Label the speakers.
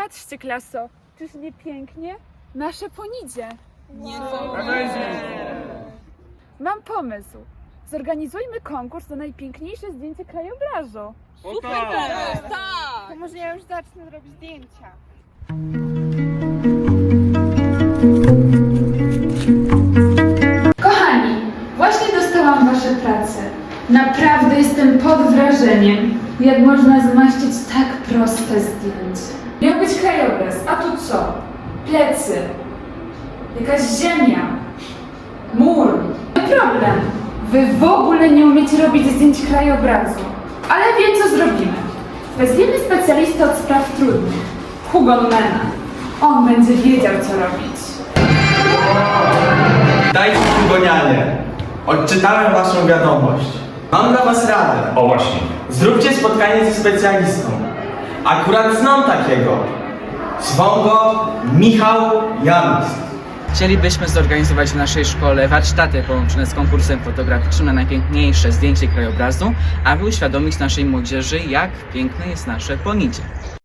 Speaker 1: Patrzcie, klaso, czyż nie pięknie? Nasze Ponidzie. Mam pomysł. Zorganizujmy konkurs na najpiękniejsze zdjęcie krajobrazu.
Speaker 2: To może ja już zacznę robić zdjęcia.
Speaker 1: Kochani, właśnie dostałam wasze prace. Naprawdę jestem pod wrażeniem, jak można zmaścić tak proste zdjęcie. Miał być krajobraz, a tu co? Plecy, jakaś ziemia, mur. Nie problem, wy w ogóle nie umiecie robić zdjęć krajobrazu. Ale wiem, co zrobimy. Weźmiemy specjalistę od spraw trudnych, Hugonmana. On będzie wiedział, co robić.
Speaker 3: Dajcie przygonianie. Odczytałem waszą wiadomość. Mam dla was radę.
Speaker 4: O właśnie.
Speaker 3: Zróbcie spotkanie ze specjalistą. Akurat znam takiego. Zwą go Michał Janusz.
Speaker 5: Chcielibyśmy zorganizować w naszej szkole warsztaty połączone z konkursem fotograficznym na najpiękniejsze zdjęcie krajobrazu, aby uświadomić naszej młodzieży, jak piękne jest nasze Ponidzie.